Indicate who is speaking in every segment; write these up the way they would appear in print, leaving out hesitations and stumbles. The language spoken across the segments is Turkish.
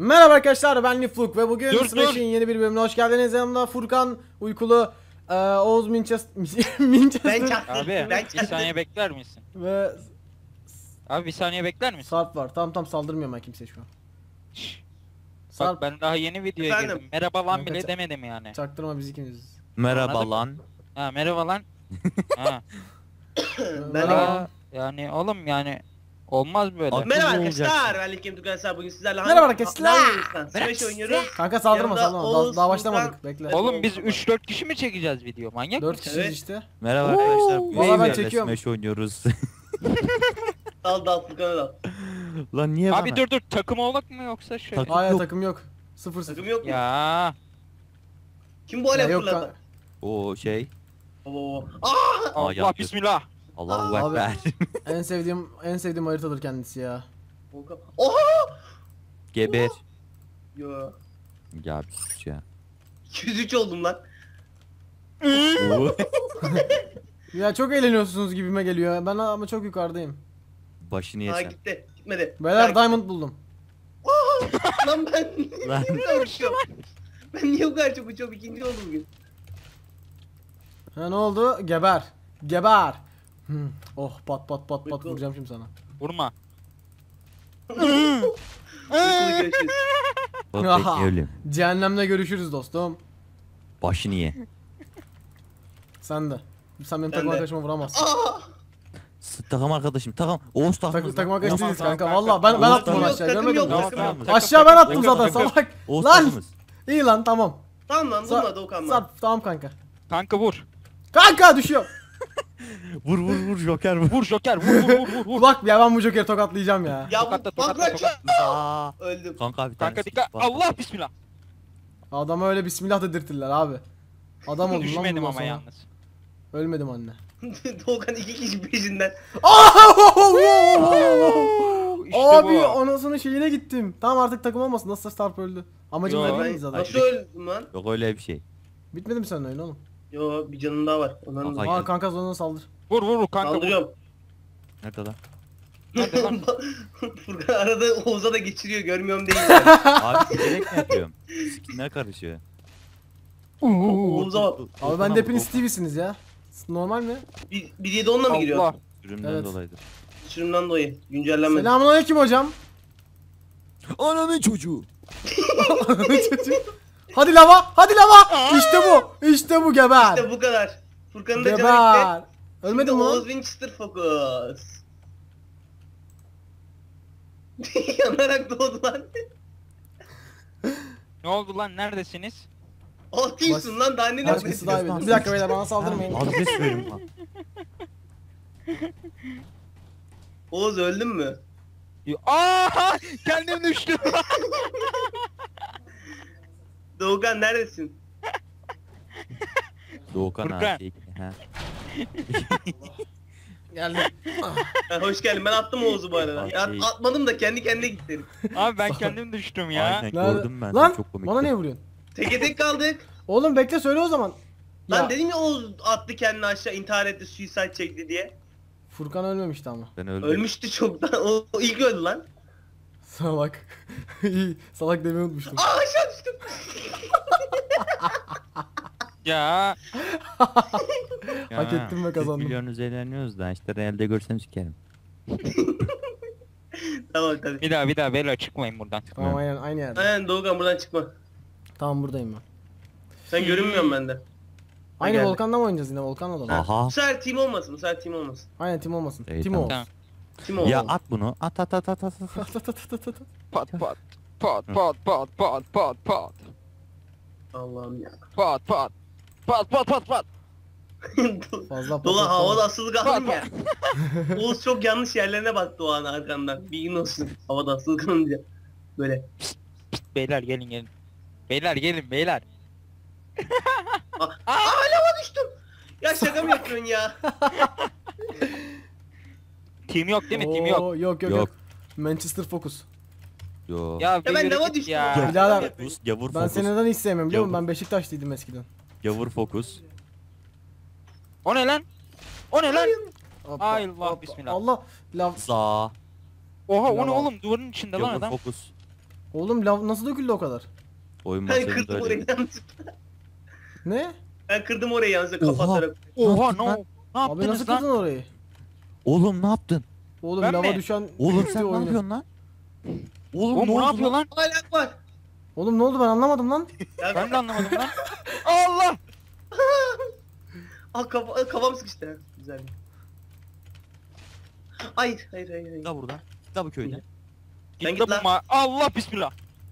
Speaker 1: Merhaba arkadaşlar, ben Nifluk ve bugün
Speaker 2: Dur,
Speaker 1: Smash'in yeni bir bölümüne hoş geldiniz. Yanımda Furkan, Uykulu, Oğuz Manchester
Speaker 3: Ben çaktım.
Speaker 2: Abi
Speaker 3: Ben
Speaker 2: bir saniye bekler misin?
Speaker 1: ve
Speaker 2: Abi bir saniye bekler misin?
Speaker 1: Sarp var. Tamam saldırmıyorum ben kimseye şu an.
Speaker 2: Şşş.
Speaker 1: Sarp,
Speaker 2: Bak ben daha yeni videoya
Speaker 3: Efendim?
Speaker 2: girdim. Merhaba lan
Speaker 1: Kanka,
Speaker 2: bile demedim yani.
Speaker 1: çaktırma biz ikimiziz.
Speaker 4: Merhaba
Speaker 2: Anladın mı?
Speaker 4: lan.
Speaker 2: Ha merhaba lan. Ha.
Speaker 3: Ben
Speaker 2: Ya, yani oğlum yani olmaz böyle.
Speaker 4: Abi-
Speaker 3: Merhaba
Speaker 4: Ne
Speaker 3: arkadaşlar, ben Likim Tukasar. Bugün sizlerle
Speaker 1: Merhaba arkadaşlar.
Speaker 3: Smash oynuyoruz.
Speaker 1: Kanka saldırma
Speaker 3: Yanımda
Speaker 1: saldırma.
Speaker 3: Oğuz,
Speaker 1: Daha başlamadık.
Speaker 3: Furkan.
Speaker 1: Bekle.
Speaker 2: Oğlum biz 3-4 kişi mi çekeceğiz video? Manyak
Speaker 1: 4
Speaker 2: mısın?
Speaker 1: kişiyiz
Speaker 3: Evet.
Speaker 1: işte.
Speaker 4: Merhaba arkadaşlar.
Speaker 1: Valla ben
Speaker 4: Bugün
Speaker 1: çekiyorum.
Speaker 4: Smash oynuyoruz.
Speaker 3: Dal Furkan'a dal.
Speaker 4: Lan niye
Speaker 2: Abi
Speaker 4: bana?
Speaker 2: dur takım olmak mı yoksa şey?
Speaker 4: Tak-
Speaker 1: Hayır
Speaker 4: Yok.
Speaker 1: takım yok. 0-0.
Speaker 3: Takım yok mu?
Speaker 2: Ya.
Speaker 3: Kim bu
Speaker 1: Ya
Speaker 3: alev
Speaker 1: yok
Speaker 3: fırladı?
Speaker 4: O şey.
Speaker 3: Oo.
Speaker 2: Allah
Speaker 4: yanlış.
Speaker 2: bismillah.
Speaker 4: Allahu
Speaker 1: Abi.
Speaker 4: Ekber.
Speaker 1: en sevdiğim haritadır kendisi ya.
Speaker 3: Oha!
Speaker 4: Geber.
Speaker 3: Yo.
Speaker 4: Ya bir sus ya.
Speaker 3: 203 oldum lan.
Speaker 4: Oo.
Speaker 1: Ya çok eğleniyorsunuz gibime geliyor. Ben ama çok yukarıdayım.
Speaker 4: Başını
Speaker 3: Ha
Speaker 4: yesen.
Speaker 3: gitti. Gitmedi.
Speaker 1: Beyler
Speaker 3: Ha,
Speaker 1: diamond buldum.
Speaker 3: Lan ben
Speaker 4: Lan.
Speaker 3: niye bu kadar uçuyorum? Ben niye bu kadar çok uçuyorum? İkinci oldum bugün.
Speaker 1: Ha ne oldu? Geber. Geber. Oh pat pat pat pat
Speaker 3: Uykulu.
Speaker 1: vuracağım şimdi sana.
Speaker 2: Vurma.
Speaker 3: Uykulu görüşürüz.
Speaker 4: Bak evlim.
Speaker 1: Cehennemde görüşürüz dostum.
Speaker 4: Başını ye.
Speaker 1: Sen de. Sen benim
Speaker 3: Ben
Speaker 1: takım
Speaker 3: de.
Speaker 1: arkadaşıma vuramazsın.
Speaker 3: Aa!
Speaker 4: Takım arkadaşım. Takım. Oğuz takımız.
Speaker 1: Takım arkadaş değiliz
Speaker 2: Tamam,
Speaker 1: kanka.
Speaker 2: tamam,
Speaker 1: Valla ben
Speaker 4: Oğuz
Speaker 1: attım onu
Speaker 4: takım
Speaker 1: aşağı.
Speaker 3: yok, takım
Speaker 1: Görmedin mi?
Speaker 3: yok, takım yok.
Speaker 1: Aşağı ben attım
Speaker 2: Takım,
Speaker 1: zaten
Speaker 2: takım.
Speaker 1: salak.
Speaker 4: Oğuz
Speaker 1: Lan!
Speaker 4: takımız.
Speaker 1: İyi lan tamam.
Speaker 3: Tamam lan vurma Doğukan lan.
Speaker 1: Sarp tamam kanka.
Speaker 2: Kanka vur.
Speaker 1: Kanka düşüyor.
Speaker 4: Vur vur vur Joker vur.
Speaker 2: Vur Joker vur.
Speaker 1: Bak ya ben bu Joker'i tokatlayacağım ya.
Speaker 3: Ya
Speaker 2: Tokatla,
Speaker 3: bu
Speaker 2: tokatla,
Speaker 3: bak lan.
Speaker 4: Aa.
Speaker 3: Öldüm.
Speaker 4: Kanka bir tane.
Speaker 2: Kanka dikkat. Allah bismillah.
Speaker 1: Adama öyle bismillah dedirtirler abi. Adam oldum lan
Speaker 2: Düşmedim
Speaker 1: bundan
Speaker 2: ama
Speaker 1: sonra.
Speaker 2: yalnız.
Speaker 1: Ölmedim anne.
Speaker 3: Doğukan 2 kişi peşinden.
Speaker 2: İşte
Speaker 1: Abi
Speaker 2: bu.
Speaker 1: anasının şeyine gittim. Tamam artık takım olmasın. Nasılsa Starp öldü. Amacım
Speaker 2: Yo,
Speaker 1: vermediniz
Speaker 3: Ben
Speaker 1: zaten.
Speaker 3: nasıl öldüm lan?
Speaker 4: Yok öyle bir şey.
Speaker 1: Bitmedi mi senin oyun oğlum?
Speaker 3: Yo bir canım daha var. Ondan
Speaker 4: Kanka.
Speaker 1: Aa kanka zoruna saldır.
Speaker 2: Vur kanka. Vur.
Speaker 3: kaldırıyorum.
Speaker 4: Nerede lan?
Speaker 2: Nerede lan?
Speaker 3: Furkan arada Oğuz'a da geçiriyor görmüyorum değil.
Speaker 4: Abi direkt mi yapıyorum? Skinler karışıyor.
Speaker 3: Oğuz'a bak.
Speaker 1: Abi ben de hepiniz Stevie'siniz ya. Normal mi?
Speaker 3: 1.7 onunla mı giriyor?
Speaker 2: Allah.
Speaker 4: Sürümden
Speaker 1: Evet.
Speaker 4: dolayıdır.
Speaker 3: Sürümden dolayı. Güncellenmedi.
Speaker 1: Selamünaleyküm hocam.
Speaker 4: Ananın çocuğu.
Speaker 1: Hadi lava, hadi lava. İşte bu. İşte bu geber.
Speaker 3: İşte bu kadar. Furkan'ın da canı
Speaker 1: Geber.
Speaker 3: gitti.
Speaker 1: Ölmedin
Speaker 3: Şimdi
Speaker 1: mi
Speaker 3: Oğuz
Speaker 1: lan?
Speaker 3: Winchester fokus. Yanarak doğdu lan.
Speaker 2: Ne oldu lan neredesiniz?
Speaker 3: Atıyorsun lan daha ne
Speaker 1: Başkası daha iyi. Bir dakika beyler bana saldırmayın.
Speaker 4: Adres verin lan.
Speaker 3: Oğuz öldün mü?
Speaker 2: Aa! Kendim düştüm.
Speaker 3: Doğukan neredesin?
Speaker 4: Doğukan
Speaker 2: Furkan.
Speaker 4: abi. Ha.
Speaker 1: Geldim.
Speaker 3: Ha, hoş geldin ben attım Oğuz'u bu arada. Ya,
Speaker 4: Şey-
Speaker 3: atmadım da kendi kendine gitti herif.
Speaker 2: Abi ben kendim düştüm ya.
Speaker 4: Aynen
Speaker 1: Nerede?
Speaker 4: gördüm ben.
Speaker 1: Lan
Speaker 4: Çok komik.
Speaker 1: bana niye vuruyorsun?
Speaker 3: Teke tek kaldık.
Speaker 1: Oğlum bekle söyle o zaman.
Speaker 3: Lan
Speaker 1: Ya,
Speaker 3: dedim ya Oğuz attı kendini aşağı intihar etti suicide çekti diye.
Speaker 1: Furkan ölmemişti ama.
Speaker 4: Ben öldüm.
Speaker 3: Ölmüştü çoktan. O ilk öldü lan.
Speaker 1: Salak. İyi. Salak demeyi unutmuştum.
Speaker 3: Aa aşağı düştüm.
Speaker 2: Ya.
Speaker 1: Hak ettim ve kazandım.
Speaker 4: Milyonuz eğleniyoruz da işte realde görsem sikerim.
Speaker 3: Tamam tabii.
Speaker 2: Bir daha beyler çıkmayın buradan.
Speaker 1: Tamam aynen aynı yerde.
Speaker 3: Aynen Doğukan buradan çıkma.
Speaker 1: Tamam buradayım ben.
Speaker 3: Sen görünmüyorsun bende.
Speaker 1: Aynı
Speaker 3: geldi.
Speaker 1: Volkan'da mı oynayacağız yine? Volkan'la da.
Speaker 4: Aha.
Speaker 3: Bu sefer team olmasın. Bu sefer team olmasın.
Speaker 1: Aynen tim olmasın.
Speaker 4: İyi,
Speaker 1: Tim
Speaker 4: tamam.
Speaker 1: olsun.
Speaker 2: Tamam.
Speaker 3: Team olmasın.
Speaker 4: Ya at bunu. At.
Speaker 2: Pat pat. Pat pat pat pat pat pat.
Speaker 3: Allah'ım ya.
Speaker 2: Pat pat. Pat pat pat pat.
Speaker 1: Fazla
Speaker 3: Dola
Speaker 1: patlat-
Speaker 3: havada asılı kaldım
Speaker 2: Bak,
Speaker 3: ya. Oğuz çok yanlış yerlerine baktı o an arkandan. Bilgin olsun. Havada asılı kalınca. Böyle.
Speaker 2: Beyler gelin. Beyler gelin beyler.
Speaker 3: Aa lava düştüm. Ya şaka mı yapıyorsun ya?
Speaker 2: Team yok değil mi? Team yok.
Speaker 1: Oo, yok.
Speaker 4: Yok.
Speaker 1: Manchester Focus.
Speaker 4: Yo.
Speaker 2: Ya
Speaker 3: ben
Speaker 2: yürü
Speaker 3: lava
Speaker 2: git
Speaker 3: düştüm
Speaker 2: ya.
Speaker 3: ya.
Speaker 1: Birader,
Speaker 4: Gavur
Speaker 1: Ben
Speaker 4: fokus.
Speaker 1: seni neden hiç sevmiyorum biliyor musun?
Speaker 4: Yok.
Speaker 1: Ben Beşiktaşlıydım eskiden.
Speaker 4: Gavur fokus.
Speaker 2: O ne lan? O ne lan?
Speaker 1: Hoppa,
Speaker 2: Ay Allah,
Speaker 1: hoppa.
Speaker 2: bismillah.
Speaker 1: Allah. Lav.
Speaker 4: Za.
Speaker 2: Oha o ne
Speaker 1: Lava.
Speaker 2: oğlum duvarın içinde lan
Speaker 4: Gavur
Speaker 2: adam.
Speaker 4: fokus.
Speaker 1: Oğlum lav nasıl döküldü o kadar?
Speaker 4: Oyun
Speaker 3: Ben
Speaker 4: masasında
Speaker 3: kırdım orayı
Speaker 4: öyle.
Speaker 3: yanlışlıkla.
Speaker 1: Ne?
Speaker 3: Ben kırdım orayı yanlışlıkla
Speaker 4: Oha.
Speaker 3: kapatarak.
Speaker 2: Oha
Speaker 4: yaptın lan?
Speaker 2: ne
Speaker 1: Abi nasıl
Speaker 2: yaptınız
Speaker 1: kırdın
Speaker 2: lan?
Speaker 1: orayı?
Speaker 4: Oğlum ne yaptın?
Speaker 1: Oğlum
Speaker 2: Ben
Speaker 1: lava
Speaker 2: mi?
Speaker 1: düşen
Speaker 4: Oğlum
Speaker 1: bitti
Speaker 4: sen ne
Speaker 1: oyunu.
Speaker 4: yapıyorsun lan? Oğlum,
Speaker 2: Oğlum bu ne yapıyor lan?
Speaker 3: Hala var.
Speaker 1: Oğlum ne oldu ben anlamadım lan.
Speaker 3: Ya
Speaker 2: Ben de anlamadım lan. Allah!
Speaker 3: kafam sıkıştı. Ha, güzel. Hayır.
Speaker 4: Git la buradan. Git la bu köyden.
Speaker 3: Sen
Speaker 2: Git
Speaker 3: git
Speaker 2: la
Speaker 3: lan.
Speaker 2: bu Allah bismillah.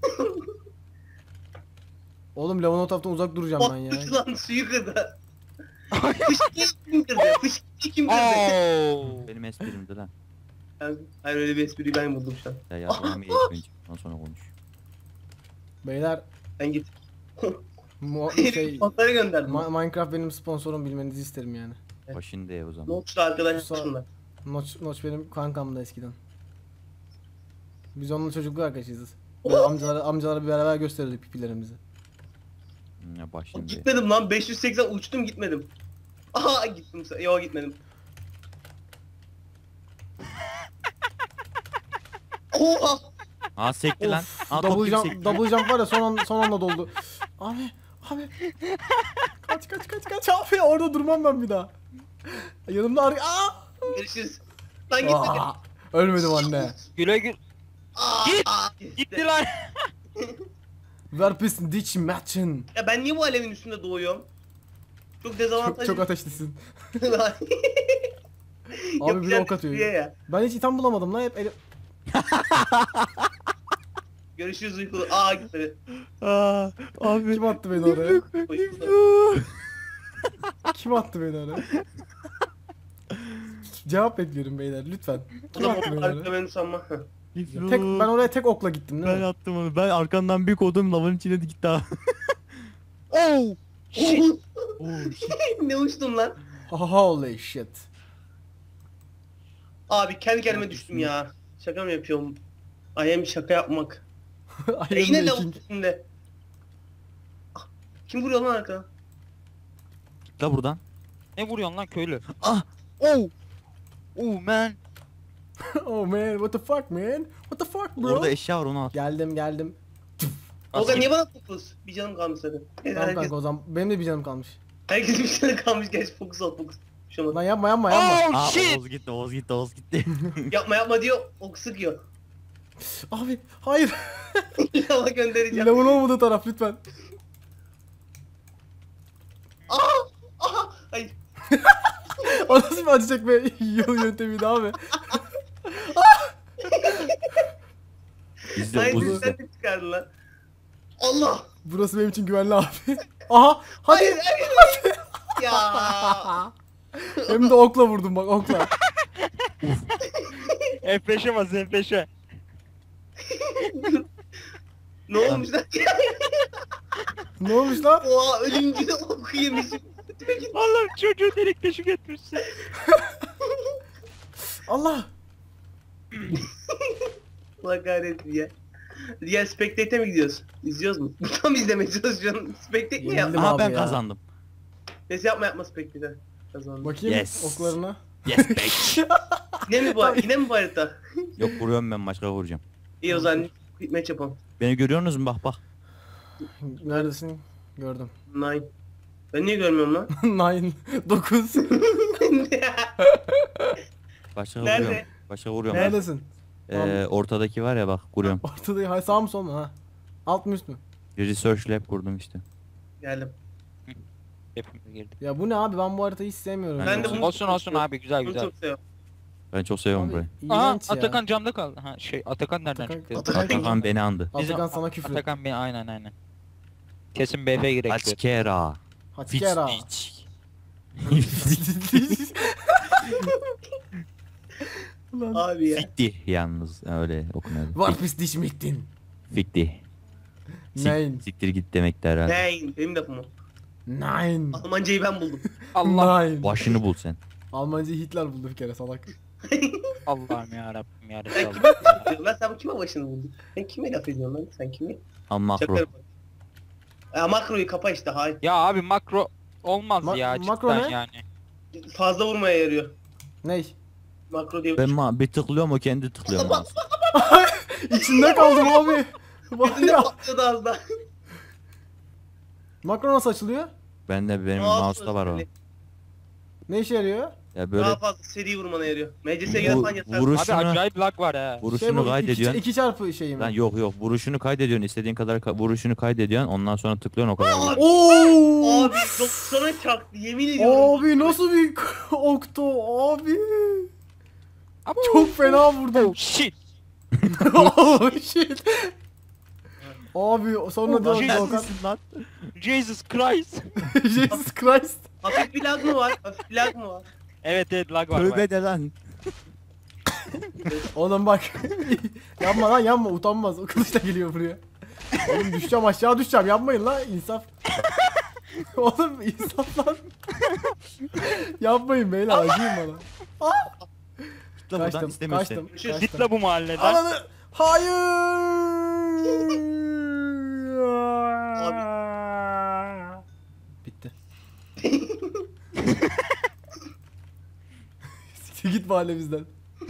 Speaker 1: Oğlum lavın o taraftan uzak duracağım ben ya.
Speaker 3: Battı lan suyu kırdı. Fışkıyı kim kırdı? Fışkıyı kim kırdı?
Speaker 2: Oo.
Speaker 4: Benim esprimdi lan.
Speaker 3: Hayır öyle bir espriyi ben buldum şu an.
Speaker 4: Ya yapmam iyi önce. Ondan sonra konuş.
Speaker 1: Beyler
Speaker 3: Sen git.
Speaker 1: şey
Speaker 3: Fotoğrafları gönderdim.
Speaker 1: Minecraft benim sponsorum bilmenizi isterim yani.
Speaker 3: Evet.
Speaker 4: Başında ya o
Speaker 3: Ne
Speaker 4: zaman.
Speaker 3: oldu arkadaşlarımla?
Speaker 1: Notch benim kankamdı eskiden. Biz onunla çocukluk arkadaşıyız. Böyle amcalara bir beraber gösterirdik pipilerimizi.
Speaker 4: Ya başında.
Speaker 3: Gitmedim lan 580 uçtum gitmedim. Aha gittim. Yo gitmedim. Oha!
Speaker 4: Aa sekti lan.
Speaker 1: Of,
Speaker 4: Aa top
Speaker 1: double
Speaker 4: gibi
Speaker 1: jump,
Speaker 4: sekti.
Speaker 1: double jump var ya son anda doldu. Abi kaç abi orada durmam ben bir daha. Yanımda
Speaker 3: Görüşürüz. Lan gitmedim.
Speaker 1: ölmedim anne.
Speaker 2: Güle gül.
Speaker 3: Aa,
Speaker 2: Git!
Speaker 3: gitti.
Speaker 2: Gitti lan.
Speaker 1: Verpis dich matchen.
Speaker 3: Ya ben niye bu alevin üstünde doğuyorum? Çok dezavantajlı.
Speaker 1: Çok ateşlisin.
Speaker 3: Lan.
Speaker 1: Abi biri
Speaker 3: Yapacağım
Speaker 1: ok atıyor.
Speaker 3: bir şey ya.
Speaker 1: Ben hiç item bulamadım lan hep elim.
Speaker 3: Görüşürüz uykulu. Aa gitmedi.
Speaker 4: Aa abi.
Speaker 1: Kim attı beni oraya?
Speaker 3: Uykulu.
Speaker 1: Kim attı beni oraya? Cevap bekliyorum beyler lütfen.
Speaker 3: O
Speaker 1: Kim
Speaker 3: da
Speaker 1: attı beni
Speaker 3: harika
Speaker 1: oraya?
Speaker 3: beni sanma.
Speaker 1: Ben oraya tek okla gittim değil
Speaker 4: Ben
Speaker 1: mi?
Speaker 4: attım onu. Ben arkandan bir kodum lavın içine gitti ha.
Speaker 2: Oo. Shit.
Speaker 3: Ne uçtum lan?
Speaker 1: Holy shit.
Speaker 3: Abi kendi kendime düştüm ya. Şaka mı yapıyorum? I am şaka yapmak.
Speaker 1: I am
Speaker 3: Yine de
Speaker 1: making.
Speaker 3: üstünde. Ah, kim vuruyor lan arkadan?
Speaker 4: Git la buradan.
Speaker 2: Ne vuruyorsun lan köylü?
Speaker 4: Ah.
Speaker 2: Oo. Oo man.
Speaker 1: Oh man what the fuck man? What the fuck bro?
Speaker 4: Orada eşya var onu al.
Speaker 1: Geldim.
Speaker 3: Tolga niye bana fokus? Bir canım kalmış zaten.
Speaker 1: Tamam
Speaker 3: Herkes,
Speaker 1: kanka o zaman benim de bir canım kalmış.
Speaker 3: herkes bir canım kalmış. Geç fokus ol fokus. Bir şey olmaz.
Speaker 1: Lan yapma.
Speaker 2: Oh
Speaker 4: Aa
Speaker 2: shit.
Speaker 4: Oğuz gitti.
Speaker 3: Yapma diyor. Ok sıkıyor.
Speaker 1: Abi hayır.
Speaker 3: Lava göndereceğim.
Speaker 1: Lavun olmadığı taraf lütfen.
Speaker 3: Aha! Hayır.
Speaker 1: O nasıl bir acı çekme yöntemiydi abi.
Speaker 4: İzle
Speaker 3: Hayır
Speaker 4: Oğuz
Speaker 3: sen
Speaker 4: izle.
Speaker 3: de çıkardın lan. Allah!
Speaker 1: Burası benim için güvenli abi. Aha hadi.
Speaker 3: Hayır. Ya.
Speaker 1: Hem de okla vurdum bak okla.
Speaker 2: F5'e bas F5'e.
Speaker 3: Ne olmuş lan?
Speaker 1: Ne olmuş lan?
Speaker 3: Oha ölümcül oku yemişim.
Speaker 2: Allah'ım çocuğu delik deşik etmişsin.
Speaker 1: Allah.
Speaker 3: Allah kahretsin ya. Diğer Spectate'e mi gidiyoruz? İzliyoruz mu? Tam izlemeye çalışıyorsun. Spectate mi
Speaker 1: Yenildim
Speaker 3: yapma?
Speaker 4: Aha
Speaker 1: abi
Speaker 4: ben
Speaker 1: ya.
Speaker 4: kazandım.
Speaker 3: Neyse yapma Spectate'e. Kazandım.
Speaker 1: Bakayım
Speaker 4: Yes.
Speaker 1: oklarına.
Speaker 4: Yes bitch.
Speaker 3: Yine mi bu harita?
Speaker 4: Yok vuruyorum ben başka vuracağım.
Speaker 3: İyi o zaman match yapalım.
Speaker 4: Beni görüyorsunuz mu bak.
Speaker 1: Neredesin? Gördüm.
Speaker 3: 9. Ben niye görmüyorum lan?
Speaker 1: 9.
Speaker 4: Başka
Speaker 3: Nerede?
Speaker 4: vuruyorum. Başka vuruyorum.
Speaker 1: Neredesin?
Speaker 4: Ortadaki var ya bak kuruyorum.
Speaker 1: Ortada hay sağ mı sol mu ha? Alt mı üst mü?
Speaker 4: Research lab kurdum işte.
Speaker 3: Geldim.
Speaker 2: Hepimiz girdik.
Speaker 1: Ya bu ne abi ben bu haritayı hiç sevmiyorum.
Speaker 3: Ben
Speaker 1: ya.
Speaker 3: de bunu
Speaker 2: Olsun abi güzel
Speaker 3: Bunu
Speaker 2: güzel.
Speaker 3: çok seviyorum.
Speaker 4: Ben çok seviyorum
Speaker 1: Abi,
Speaker 4: burayı.
Speaker 2: Aha
Speaker 1: iğrenç ya.
Speaker 2: Atakan camda kaldı. Ha Atakan nereden
Speaker 1: Atakan-
Speaker 2: çıktı?
Speaker 3: Atakan-
Speaker 4: Atakan beni andı.
Speaker 1: Atakan sana küfür.
Speaker 2: Atakan beni aynen. Kesin BF girek.
Speaker 4: Açkera.
Speaker 1: Hatikera.
Speaker 4: Fitch.
Speaker 1: Ulan.
Speaker 3: Abi ya.
Speaker 4: Fikti yalnız öyle okunuyor.
Speaker 1: Var pis diş mittin.
Speaker 4: Fikti.
Speaker 1: Nein.
Speaker 4: Siktir git demek de herhalde.
Speaker 3: Nein. Benim lafım o.
Speaker 1: Nein.
Speaker 3: Almancayı ben buldum.
Speaker 2: Allah
Speaker 1: Nein.
Speaker 4: Başını bul sen.
Speaker 1: Almancayı Hitler buldu bir kere salak.
Speaker 2: Allah'ım ya Rabbim ya
Speaker 3: Sen
Speaker 2: Resulallah.
Speaker 3: kime laf ediyorsun lan? Sen kime başını buldun? Sen kime laf ediyorsun lan? Sen kime?
Speaker 4: Al makro.
Speaker 3: Şaka yapma. Ya makroyu kapa işte hayır.
Speaker 2: Ya abi makro olmaz ya
Speaker 1: makro
Speaker 2: cidden
Speaker 1: ne?
Speaker 2: yani.
Speaker 3: Fazla vurmaya yarıyor.
Speaker 1: Ney?
Speaker 3: Makro diye
Speaker 4: Ben bir tıklıyorum o kendi tıklıyor.
Speaker 1: İçinde kaldım abi. Var
Speaker 3: Gözünde
Speaker 1: ya.
Speaker 3: patlıyordu az daha.
Speaker 1: Makro nasıl açılıyor?
Speaker 4: Benim
Speaker 3: Mouse
Speaker 4: mouse'da var o.
Speaker 3: özelliği.
Speaker 1: Ne işe yarıyor?
Speaker 4: Ya böyle
Speaker 3: Daha fazla seri vurmana yarıyor. MCS'ye
Speaker 4: Bu-
Speaker 3: falan yeter.
Speaker 4: vuruş-
Speaker 2: Abi
Speaker 4: Şunu-
Speaker 2: acayip lag var ha.
Speaker 4: vuruşunu
Speaker 1: bu
Speaker 4: kaydediyorsun.
Speaker 1: 2 çarpı şey mi?
Speaker 4: Lan yok vuruşunu kaydediyorsun, istediğin kadar vuruşunu kaydediyorsun, ondan sonra tıklıyorsun o kadar.
Speaker 3: Aa,
Speaker 4: vuruyor.
Speaker 1: Oo!
Speaker 3: Abi 90'a çaktı yemin ediyorum.
Speaker 1: Abi nasıl bir okto abi.
Speaker 2: Ama
Speaker 1: Çok fena vurdum.
Speaker 2: Oh shit.
Speaker 1: Oh shit. Abi sonra
Speaker 2: Oh,
Speaker 1: diyor
Speaker 2: shit.
Speaker 1: Doğukan.
Speaker 4: lan?
Speaker 2: Jesus Christ.
Speaker 1: Jesus Christ.
Speaker 3: Hafif bir lag mı var? Hafif bir lag mı var?
Speaker 2: Evet lag var.
Speaker 4: Tövbe de lan.
Speaker 1: Oğlum bak. Yapma lan yapma utanmaz. O kılıçla geliyor buraya. Oğlum düşeceğim aşağı düşeceğim yapmayın lan insaf. Oğlum insaf lan. Yapmayın beyler acıyın bana.
Speaker 4: Tıkla buradan
Speaker 1: Kaçtım
Speaker 4: istemiyorsun.
Speaker 1: kaçtım.
Speaker 3: Görüşürüz.
Speaker 2: Git la bu mahalleden.
Speaker 1: Ananı. Hayır. Bitti. Siktir git mahallemizden.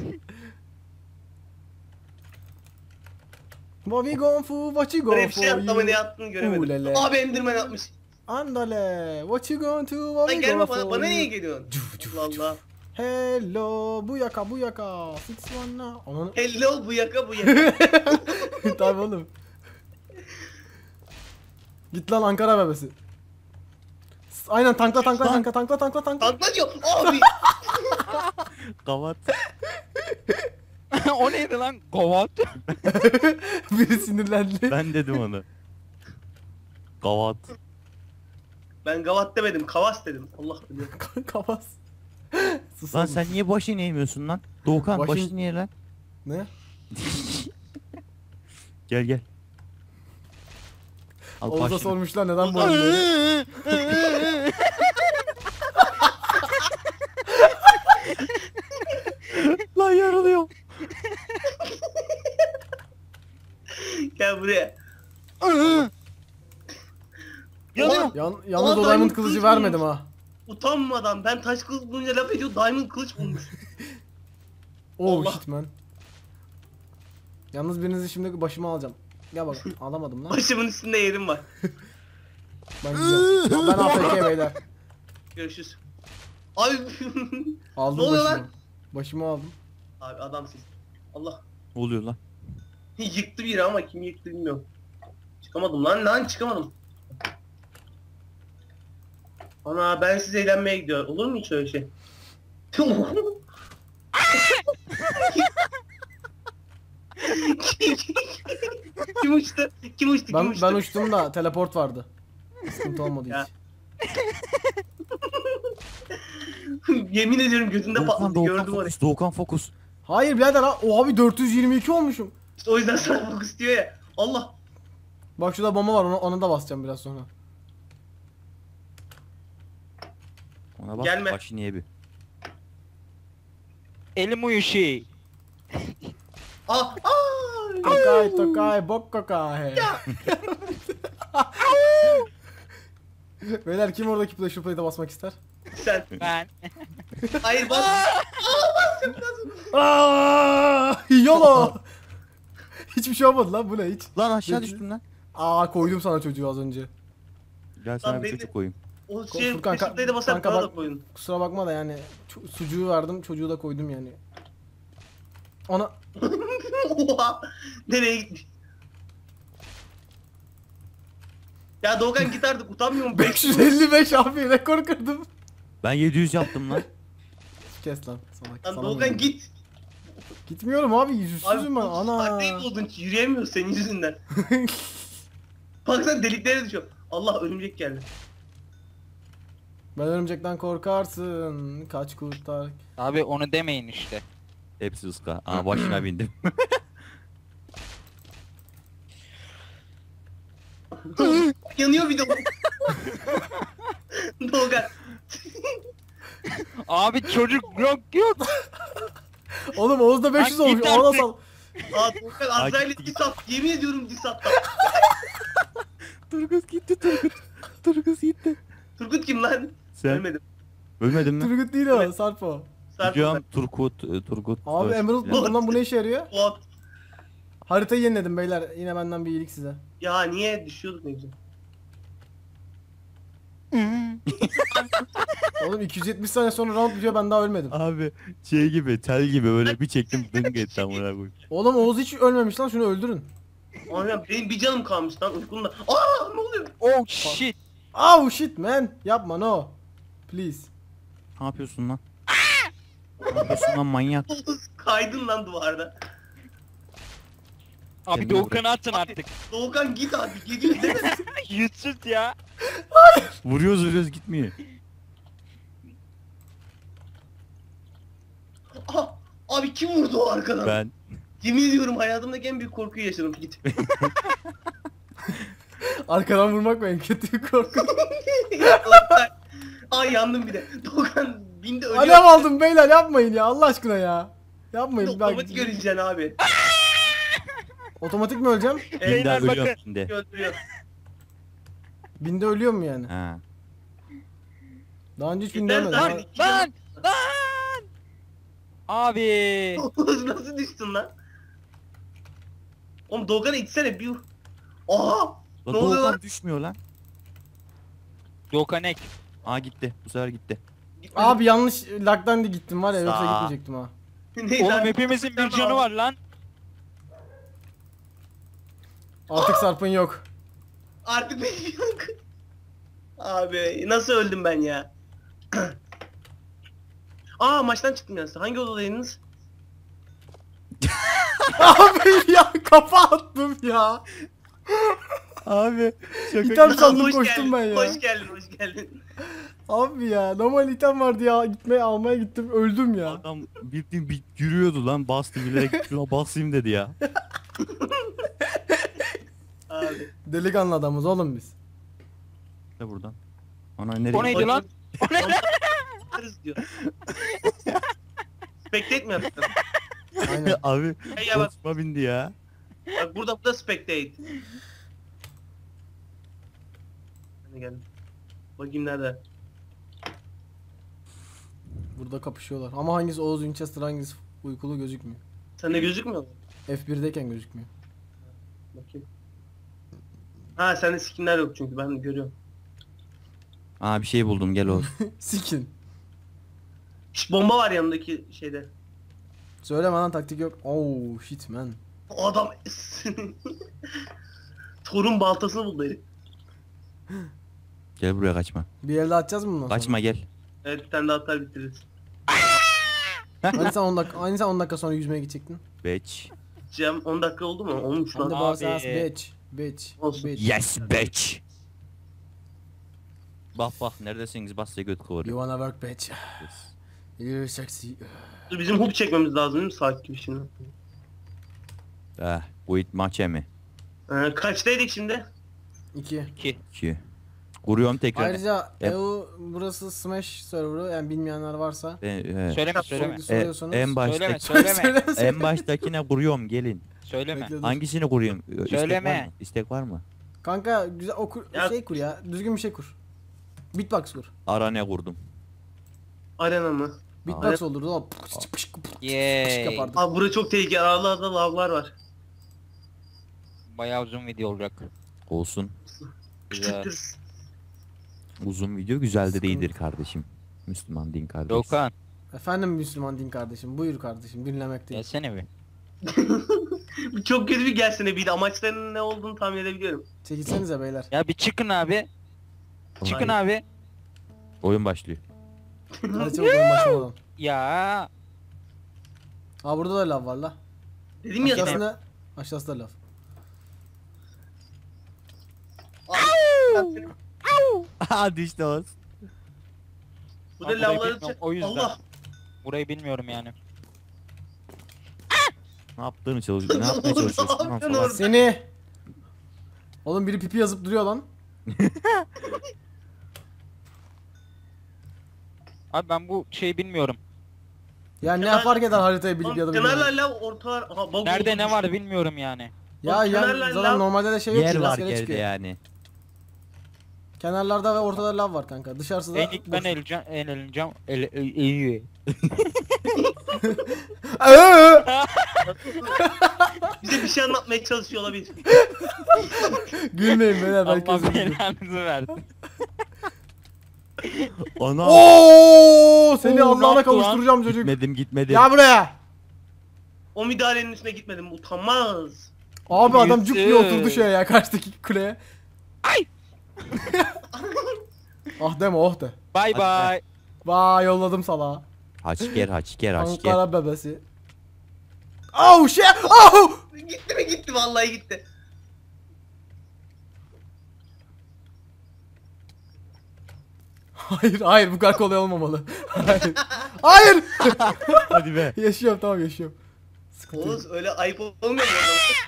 Speaker 1: What we going for? What you
Speaker 3: Böyle
Speaker 1: going
Speaker 3: bir şey yaptı ama
Speaker 1: for?
Speaker 3: ne yaptığını göremedim.
Speaker 1: Ulele.
Speaker 3: Abi Enderman atmış.
Speaker 1: Andale. What you going to? What
Speaker 3: Lan
Speaker 1: we
Speaker 3: gelme
Speaker 1: going
Speaker 3: bana,
Speaker 1: for?
Speaker 3: bana niye geliyorsun? Allah Allah.
Speaker 1: Hello. Bu yaka bu yaka. Six one now. Ananı.
Speaker 3: Hello bu yaka bu yaka.
Speaker 1: Tabii oğlum. Git lan Ankara bebesi. Aynen tankla.
Speaker 3: Tankla diyor. Abi.
Speaker 4: Kavat.
Speaker 2: O neydi lan? Govat.
Speaker 1: Biri sinirlendi.
Speaker 4: Ben dedim onu. Kavat.
Speaker 3: Ben gavat demedim. Kavas dedim. Allah biliyor.
Speaker 1: Kafas. Sus
Speaker 4: Lan
Speaker 1: oğlum.
Speaker 4: sen niye başını eğmiyorsun lan? Doğukan
Speaker 1: Başın-
Speaker 4: başını niye lan?
Speaker 1: Ne?
Speaker 4: Gel. Al
Speaker 1: Oğuz'a
Speaker 4: başını.
Speaker 1: sormuşlar neden bu halde.
Speaker 4: Lan yarılıyor.
Speaker 3: Gel buraya.
Speaker 2: Yanıyor.
Speaker 1: Yalnız o
Speaker 3: Aa,
Speaker 1: diamond kılıcı
Speaker 3: kılıç
Speaker 1: vermedim
Speaker 3: bulmuş.
Speaker 1: ha.
Speaker 3: Utanmadan ben taş kılıç bulunca laf ediyor. Diamond kılıç bulmuş.
Speaker 1: Oh
Speaker 3: Allah.
Speaker 1: shit man. Yalnız birinizi şimdi başıma alacağım. Gel bak alamadım lan.
Speaker 3: Başımın üstünde yerim var.
Speaker 1: Ben gidiyorum. Ben AFK beyler.
Speaker 3: Görüşürüz. Abi.
Speaker 1: Aldım
Speaker 3: Ne oluyor
Speaker 1: başımı.
Speaker 3: lan?
Speaker 1: Başımı aldım.
Speaker 3: Abi adamsın. Allah.
Speaker 4: Ne oluyor lan?
Speaker 3: Yıktı biri ama kim yıktı bilmiyorum. Çıkamadım lan çıkamadım. Ana ben siz eğlenmeye gidiyor. Olur mu hiç öyle şey? Kim uçtu? Kim uçtu? Kim
Speaker 1: Ben
Speaker 3: uçtu?
Speaker 1: uçtum da teleport vardı. Sıkıntı olmadı
Speaker 3: Ya.
Speaker 1: hiç.
Speaker 3: Yemin ediyorum gözünde
Speaker 4: Doğukan,
Speaker 3: patladı
Speaker 4: Doğukan
Speaker 3: gördüm orayı.
Speaker 4: fokus. Doğukan fokus.
Speaker 1: Hayır birader ha. O abi 422 olmuşum.
Speaker 3: İşte o yüzden sana fokus diyor ya. Allah.
Speaker 1: Bak şurada bomba var ona da basacağım biraz sonra.
Speaker 4: Ona bak
Speaker 3: Gelme.
Speaker 4: başı niye bir.
Speaker 2: Elim uyuşuyor.
Speaker 3: Aa.
Speaker 1: Tokay bok kokay. Beyler kim oradaki pressure plate'e basmak ister?
Speaker 3: Sen.
Speaker 2: Ben.
Speaker 3: Hayır bas.
Speaker 1: Aaaa! YOLO! Hiçbir şey olmadı lan bu ne hiç?
Speaker 4: Lan aşağı
Speaker 1: Peki.
Speaker 4: düştüm lan.
Speaker 1: Aa koydum sana çocuğu az önce.
Speaker 4: Gel sana bir
Speaker 3: beni-
Speaker 4: çocuk koyayım.
Speaker 3: O şey
Speaker 1: Furkan,
Speaker 3: peşindeydi basar
Speaker 1: kanka
Speaker 3: bana
Speaker 1: bak-
Speaker 3: da koyun.
Speaker 1: Kusura bakma da yani sucuğu verdim çocuğu da koydum yani. Ona
Speaker 3: Oha. Nereye gitmiş? Ya Doğukan git artık utanmıyor musun?
Speaker 1: 555 abi rekor kırdım.
Speaker 4: Ben 700 yaptım lan.
Speaker 1: Kes lan salak.
Speaker 3: Lan
Speaker 1: sana
Speaker 3: Doğukan
Speaker 1: mı?
Speaker 3: git.
Speaker 1: Gitmiyorum abi yüzsüzüm ben
Speaker 3: Abi
Speaker 1: ana.
Speaker 3: taktiği buldun yürüyemiyor senin yüzünden. Baksana deliklere düşüyor. Allah örümcek geldi.
Speaker 1: Ben örümcekten korkarsın. Kaç kurtar.
Speaker 2: Abi onu demeyin işte.
Speaker 4: Hepsi ıska. Aa başına bindim.
Speaker 3: Yanıyor bir de. Doğukan.
Speaker 2: Abi çocuk yok.
Speaker 1: Oğlum Oğuz'da 500
Speaker 2: Lan
Speaker 1: olmuş.
Speaker 2: git
Speaker 1: Ona
Speaker 2: artık.
Speaker 1: sal.
Speaker 3: Aa Doğukan Azrail'e dis at. Yemin ediyorum dis at.
Speaker 4: Turgut gitti Turgut. Turgut gitti.
Speaker 3: Turgut kim lan?
Speaker 4: Sen
Speaker 3: Ölmedim.
Speaker 4: ölmedin mi?
Speaker 1: Turgut değil o Sarpo.
Speaker 3: Sarp
Speaker 4: Hocam Turgut.
Speaker 1: Abi
Speaker 4: Öl-
Speaker 1: Emerald
Speaker 4: Ya.
Speaker 1: buldum lan bu ne işe yarıyor?
Speaker 3: Fuat.
Speaker 1: Haritayı yeniledim beyler. Yine benden bir iyilik size.
Speaker 3: Ya niye düşüyorduk ne güzel.
Speaker 1: Oğlum 270 saniye sonra round bitiyor, ben daha ölmedim.
Speaker 4: Abi şey gibi tel gibi böyle bir çektim dınk etti amına koyayım.
Speaker 1: Oğlum Oğuz hiç ölmemiş lan, şunu öldürün.
Speaker 3: Aynen benim bir canım kalmış lan uykumda. Aa ne oluyor?
Speaker 2: Oh shit.
Speaker 1: Oh shit man. Yapma no. Please.
Speaker 4: Ne yapıyorsun lan? Ne yapıyorsun lan manyak?
Speaker 3: Kaydın lan duvarda.
Speaker 2: Abi
Speaker 4: Kendine
Speaker 2: Doğukan'ı atın artık.
Speaker 3: Doğukan git abi gidiyor değil mi?
Speaker 2: Yüzsüz ya.
Speaker 4: Vuruyoruz gitmiyor.
Speaker 3: Aha, abi kim vurdu o arkadan?
Speaker 4: Ben.
Speaker 3: Yemin ediyorum hayatımdaki en büyük korkuyu yaşadım git.
Speaker 1: Arkadan vurmak en kötü korku.
Speaker 3: Ay yandım bir de. Doğukan bindi ölüyor.
Speaker 1: Alev aldım beyler, yapmayın ya Allah aşkına ya. Yapmayın.
Speaker 3: Otomatik öleceksin abi.
Speaker 1: Otomatik mi öleceğim?
Speaker 4: Binde
Speaker 2: Beyler
Speaker 4: ölüyorum
Speaker 2: bakın.
Speaker 4: şimdi.
Speaker 3: Öldürüyor.
Speaker 1: Binde ölüyor mu yani?
Speaker 4: Ha.
Speaker 1: Daha önce hiç binde
Speaker 3: Yeter
Speaker 1: ölmedim.
Speaker 3: lan.
Speaker 1: Ha.
Speaker 2: Lan lan. Abi.
Speaker 3: Oğuz nasıl düştün lan? Oğlum Doğukan'ı itsene bir. Aha!
Speaker 4: Lan
Speaker 3: Ne oluyor
Speaker 4: Doğukan
Speaker 3: lan?
Speaker 4: düşmüyor lan.
Speaker 2: Doğukan ek.
Speaker 4: Aa gitti. Bu sefer gitti.
Speaker 1: Abi yanlış lagdan da gittim var ya, yoksa
Speaker 4: Sağ.
Speaker 1: gitmeyecektim ha.
Speaker 3: Neyse
Speaker 2: Oğlum
Speaker 3: abi.
Speaker 2: hepimizin bir canı var lan.
Speaker 1: Artık Sarp'ın yok.
Speaker 3: Artık benim yok. Abi nasıl öldüm ben ya? Aa maçtan çıktım ya. Hangi odadaydınız?
Speaker 1: Abi ya kafa attım ya.
Speaker 4: Abi
Speaker 1: İtem sandım
Speaker 3: Hoş
Speaker 1: koştum
Speaker 3: geldin,
Speaker 1: ben ya.
Speaker 3: Hoş geldin, hoş geldin.
Speaker 1: Abi ya normal item vardı ya, gitmeye almaya gittim öldüm ya.
Speaker 4: Adam bildiğin bir yürüyordu lan, bastı bilerek şuna basayım dedi ya.
Speaker 3: Abi.
Speaker 1: Delikanlı adamız oğlum biz.
Speaker 4: Ne buradan? Ana nereye?
Speaker 2: O neydi lan? O ne lan?
Speaker 3: Yaparız diyor. Spectate mi yaptın?
Speaker 1: Aynen.
Speaker 4: Abi
Speaker 3: Hey ya bak,
Speaker 4: boşuma bindi ya.
Speaker 3: bak burada spectate. Hadi gel. Bakayım nerede?
Speaker 1: Burada kapışıyorlar. Ama hangisi Oğuz Winchester, hangisi uykulu gözükmüyor.
Speaker 3: Sende gözükmüyor mu?
Speaker 1: F1'deyken gözükmüyor.
Speaker 3: Bakayım. Ha sende skinler yok çünkü ben görüyorum.
Speaker 4: Aa bir şey buldum, gel Oğuz.
Speaker 1: Sikin.
Speaker 3: Şş, bomba var yanındaki şeyde.
Speaker 1: Söyleme lan, taktik yok. Oh shit man.
Speaker 3: O adam Thor'un baltasını buldu herif.
Speaker 4: Gel buraya, kaçma.
Speaker 1: Bir elde atacağız mı bundan sonra?
Speaker 4: Kaçma gel.
Speaker 3: Evet bir tane daha atar bitiririz.
Speaker 1: Hani sen 10 dakika, hani sen 10 dakika sonra yüzmeye gidecektin.
Speaker 4: Bitch.
Speaker 3: Cem 10 dakika oldu mu? Olmuş
Speaker 1: Hem de
Speaker 3: lan.
Speaker 1: bağırsağız
Speaker 2: Abi.
Speaker 1: bitch.
Speaker 3: Olsun.
Speaker 1: Bitch.
Speaker 4: Yes bitch. Bak bak neredesiniz, bas ya göt
Speaker 1: You
Speaker 4: kıvırıyor.
Speaker 1: wanna work bitch. You're sexy.
Speaker 3: Dur, bizim hook çekmemiz lazım değil mi saat gibi şimdi?
Speaker 4: Bu it maçe mi?
Speaker 3: Kaçtaydık şimdi?
Speaker 1: 2.
Speaker 2: 2.
Speaker 4: 2. Kuruyorum tekrar.
Speaker 1: Ayrıca
Speaker 4: Yap.
Speaker 1: EU burası Smash serverı, yani bilmeyenler varsa.
Speaker 2: Söyleme söyleme.
Speaker 1: Soruyorsanız.
Speaker 4: En
Speaker 2: Söyleme
Speaker 4: baştaki
Speaker 2: söyleme.
Speaker 4: en baştakine kuruyorum, gelin.
Speaker 2: Söyleme.
Speaker 1: Bekle dur.
Speaker 4: Hangisini kurayım? İstek
Speaker 2: Söyleme.
Speaker 4: var mı? İstek var mı?
Speaker 1: Kanka güzel okur,
Speaker 3: Ya-
Speaker 1: şey kur ya. Düzgün bir şey kur. Beatbox kur.
Speaker 4: Arane kurdum.
Speaker 3: Arena mı?
Speaker 1: Beatbox olurdu o.
Speaker 2: Yay.
Speaker 1: Yapardık.
Speaker 3: Abi burada çok tehlikeli. Aralarda lavlar var.
Speaker 2: Bayağı uzun video olacak.
Speaker 4: Olsun.
Speaker 2: Güzel.
Speaker 3: Küçüktür.
Speaker 4: Uzun video güzel de
Speaker 1: Sıkıntı.
Speaker 4: değildir kardeşim. Müslüman din kardeş.
Speaker 2: Doğukan.
Speaker 1: Efendim Müslüman din kardeşim. Buyur kardeşim, dinlemekteyim.
Speaker 2: Gelsene bir.
Speaker 3: Bu çok kötü bir gelsene bir de amaçlarının ne olduğunu tahmin edebiliyorum.
Speaker 1: Çekilsenize beyler.
Speaker 2: Ya bir çıkın abi. Çıkın
Speaker 3: Hayır.
Speaker 2: abi.
Speaker 4: Oyun başlıyor.
Speaker 1: Hadi çabuk oyun başlamadan.
Speaker 2: Ya.
Speaker 1: Aa burada da lav var la.
Speaker 3: Dedim ya sana.
Speaker 1: Aşağısında, aşağısı da lav.
Speaker 3: Abi,
Speaker 4: Hadi işte Oğuz.
Speaker 3: burada
Speaker 2: Ben burayı
Speaker 3: lavları
Speaker 2: bilmiyorum, o yüzden.
Speaker 3: Allah.
Speaker 2: Burayı bilmiyorum yani.
Speaker 4: Ne yaptığını çalışıyorsun? Ne yapmaya çalışıyorsun?
Speaker 3: Ne
Speaker 4: Tamam,
Speaker 3: yapıyorsun
Speaker 4: falan.
Speaker 3: orada?
Speaker 1: Seni. Oğlum biri pipi yazıp duruyor lan.
Speaker 2: Abi ben bu şeyi bilmiyorum.
Speaker 1: Ya ne
Speaker 3: Kenar-
Speaker 1: fark eder haritayı bilip
Speaker 3: Oğlum,
Speaker 1: ya da
Speaker 3: kenarlar
Speaker 1: bilmiyorum.
Speaker 3: lav ortalar. Aha, bug
Speaker 2: Nerede
Speaker 3: oldu,
Speaker 2: ne var
Speaker 3: düştü.
Speaker 2: bilmiyorum yani.
Speaker 1: Ya
Speaker 3: Oğlum,
Speaker 1: ya
Speaker 3: kenarlar
Speaker 1: zaten
Speaker 3: lav-
Speaker 1: normalde de şey yok
Speaker 4: Yer
Speaker 1: ki,
Speaker 4: var
Speaker 1: rastgele
Speaker 4: yerde
Speaker 1: çıkıyor.
Speaker 4: yani.
Speaker 1: Kenarlarda ve ortada lav var kanka. Dışarısı da
Speaker 2: En ilk ben eğleneceğim. Eğiyor.
Speaker 3: Bize bir şey anlatmaya çalışıyor olabilir.
Speaker 1: Gülmeyin beyler, belki
Speaker 2: Allah
Speaker 1: özür dilerim.
Speaker 2: belanızı versin.
Speaker 4: Ana.
Speaker 1: Oo, seni
Speaker 2: Oo,
Speaker 1: Allah'ına
Speaker 2: ne yaptı lan?
Speaker 1: kavuşturacağım çocuk.
Speaker 4: Gitmedim.
Speaker 1: Gel buraya.
Speaker 3: O müdahalenin üstüne gitmedim. Utanmaz.
Speaker 1: Abi adam cuk diye
Speaker 2: Yüzsüz.
Speaker 1: oturdu şeye ya, karşıdaki kuleye.
Speaker 2: Ay!
Speaker 1: Ah deme, oh de.
Speaker 2: Bye
Speaker 4: Hadi
Speaker 2: bye.
Speaker 1: Vay, yolladım salağa.
Speaker 4: Haçker.
Speaker 1: Ankara bebesi. Oh shit! Oh!
Speaker 3: Gitti mi gitti vallahi gitti.
Speaker 1: Hayır bu kadar kolay olmamalı. Hayır. Hayır.
Speaker 4: Hadi be.
Speaker 1: Yaşıyorum, tamam yaşıyorum. Sıkıntı yok.
Speaker 3: Oğuz öyle ayıp olmuyor mu?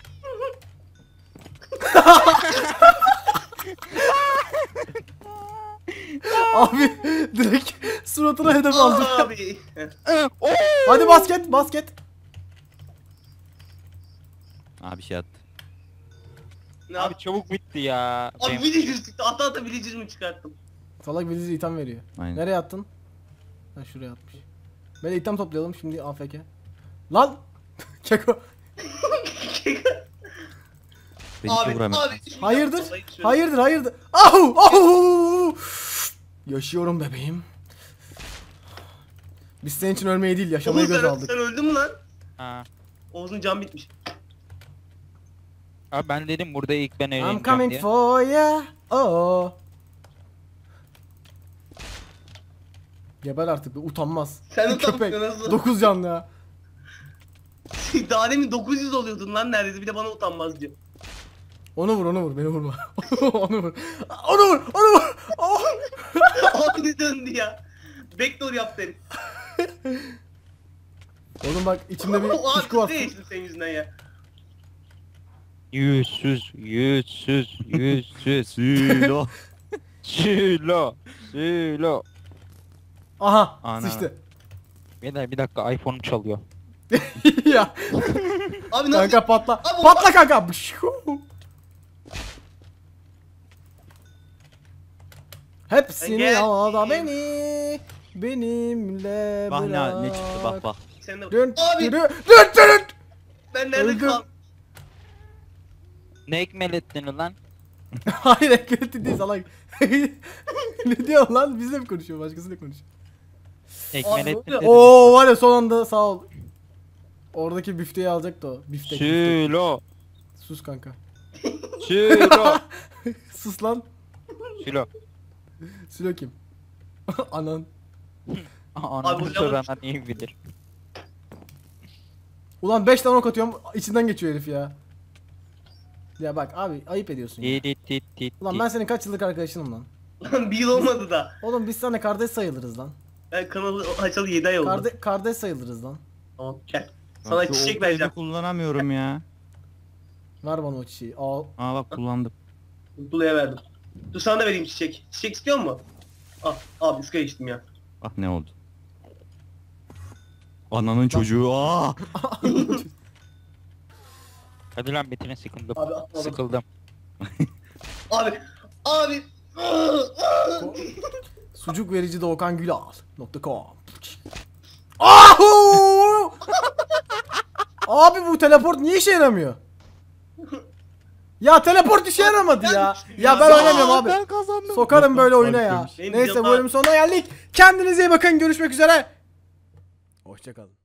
Speaker 1: Abi direkt suratına hedef aldım.
Speaker 3: Abi.
Speaker 2: Oh!
Speaker 1: Hadi basket.
Speaker 4: Abi şey attı.
Speaker 3: Ne
Speaker 2: Abi
Speaker 3: abi?
Speaker 2: çabuk bitti ya.
Speaker 3: Abi villager çıktı. Ata villager mi çıkarttım?
Speaker 1: Salak Veliz item veriyor.
Speaker 4: Aynen.
Speaker 1: Nereye attın? Ha, şuraya atmış. Böyle item toplayalım şimdi, AFK. Lan! Keko.
Speaker 4: Beni hiç
Speaker 3: Abi
Speaker 4: vuramıyor.
Speaker 3: abi.
Speaker 1: Hayırdır?
Speaker 3: Vallahi şöyle-
Speaker 1: Hayırdır? Ahu! Ahu! Yaşıyorum bebeğim. Biz senin için ölmeyi değil, yaşamayı
Speaker 3: Oğuz
Speaker 1: göz
Speaker 3: sen,
Speaker 1: aldık.
Speaker 3: sen öldün mü lan?
Speaker 2: Ha.
Speaker 3: Oğuz'un can bitmiş.
Speaker 2: Abi ben dedim burada ilk ben
Speaker 1: I'm
Speaker 2: eğleneceğim
Speaker 1: coming
Speaker 2: diye.
Speaker 1: for ya. Oh. Geber artık be, utanmaz.
Speaker 3: Sen
Speaker 1: Bir köpek.
Speaker 3: utanmıyorsun nasıl?
Speaker 1: 9 canlı ya.
Speaker 3: Daha demin 900 oluyordun lan neredeyse, bir de bana utanmaz diyor.
Speaker 1: Onu vur, beni vurma. Onu vur. Onu vur. Oh.
Speaker 3: Abi döndü ya. Backdoor yaptı herif.
Speaker 1: Oğlum bak, içimde bir
Speaker 3: Abi
Speaker 1: kuşku var.
Speaker 3: kız değiştim senin yüzünden ya.
Speaker 2: Yüzsüz.
Speaker 4: Silo.
Speaker 2: Sülo.
Speaker 1: Aha,
Speaker 4: Ana.
Speaker 1: sıçtı.
Speaker 2: Beyler bir dakika iPhone'um çalıyor.
Speaker 1: Ya
Speaker 3: Abi nasıl?
Speaker 1: kanka patla.
Speaker 3: Abi
Speaker 1: Patla kanka. Bışu. Hepsini
Speaker 3: Gel.
Speaker 1: al da beni benimle
Speaker 4: Bak
Speaker 1: bırak.
Speaker 4: ne çıktı bak.
Speaker 3: Sen de...
Speaker 1: Dün
Speaker 3: Abi
Speaker 1: dün.
Speaker 3: ben nerede
Speaker 1: Öldüm.
Speaker 3: kaldım?
Speaker 2: Ne ekmelettin lan?
Speaker 1: Hayır, ekmeği değil salak. Ne diyor lan? Bizle mi konuşuyor? Başkasıyla konuşuyor.
Speaker 2: Ekmelettin
Speaker 3: oluyor?
Speaker 2: dedim.
Speaker 1: Oo var ya, son anda sağ ol. Oradaki bifteyi alacaktı o. Biftek.
Speaker 2: Sülo.
Speaker 1: Sus kanka.
Speaker 2: Sülo.
Speaker 1: Sus lan.
Speaker 2: Sülo.
Speaker 1: Silo kim? Anan.
Speaker 2: Anamı
Speaker 3: bu
Speaker 2: soranlar iyi bilir.
Speaker 1: Ulan 5 tane ok atıyorum, içinden geçiyor herif ya. Ya bak abi, ayıp ediyorsun ya. Ulan ben senin kaç yıllık arkadaşınım lan.
Speaker 3: Lan bir yıl olmadı da.
Speaker 1: Oğlum biz seninle kardeş sayılırız lan.
Speaker 3: Ben kanalı açalı 7 ay oldu.
Speaker 1: Kardeş sayılırız lan.
Speaker 3: Tamam gel. Sana
Speaker 4: Şu
Speaker 3: çiçek
Speaker 4: oltayı
Speaker 3: vereceğim.
Speaker 4: da kullanamıyorum ya.
Speaker 1: Ver bana o çiçeği. Al.
Speaker 4: Aa bak kullandım.
Speaker 3: Mutlu'ya verdim. Dur sana da vereyim çiçek. Çiçek istiyor musun? Al. Abi üst içtim ya.
Speaker 4: Bak ne oldu. Ananın çocuğu. Aa!
Speaker 2: Hadi lan bitine sıkıldım.
Speaker 3: Abi atmadım.
Speaker 2: Sıkıldım.
Speaker 3: Abi. Abi.
Speaker 1: Sucuk verici Doğukan Gülal.com. Ahu! Abi bu teleport niye işe yaramıyor? Ya teleport işe yaramadı ya. Ya ben oynamıyorum abi.
Speaker 4: Ben kazandım.
Speaker 1: Sokarım böyle oyuna ya.
Speaker 4: Farklıymış.
Speaker 3: Benim
Speaker 1: Neyse, bu
Speaker 3: yapar-
Speaker 1: bölümün sonuna geldik. Kendinize iyi bakın. Görüşmek üzere. Hoşçakalın.